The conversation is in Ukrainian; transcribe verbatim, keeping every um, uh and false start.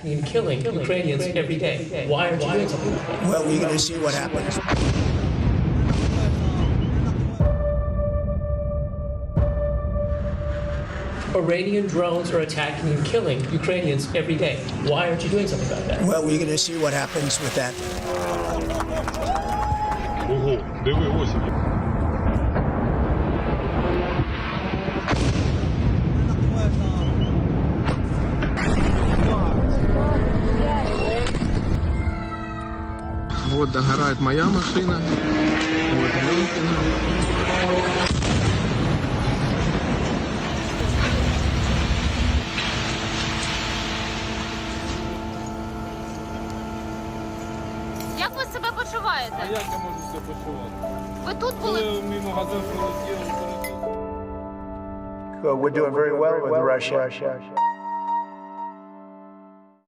attacking and killing Ukrainians every day. Why aren't you doing something about that? Well, we're going to see what happens. Iranian drones are attacking and killing Ukrainians every day. Why aren't you doing something about that? Well, we're going to see what happens with that. Ого, диви, ось. Вот догорает моя машина. Вот Ленкина. Як ви себе почуваєте? А як я можу себе почувати? Ви тут були? Коли мій магазин прилетів, We're doing very well with Russia.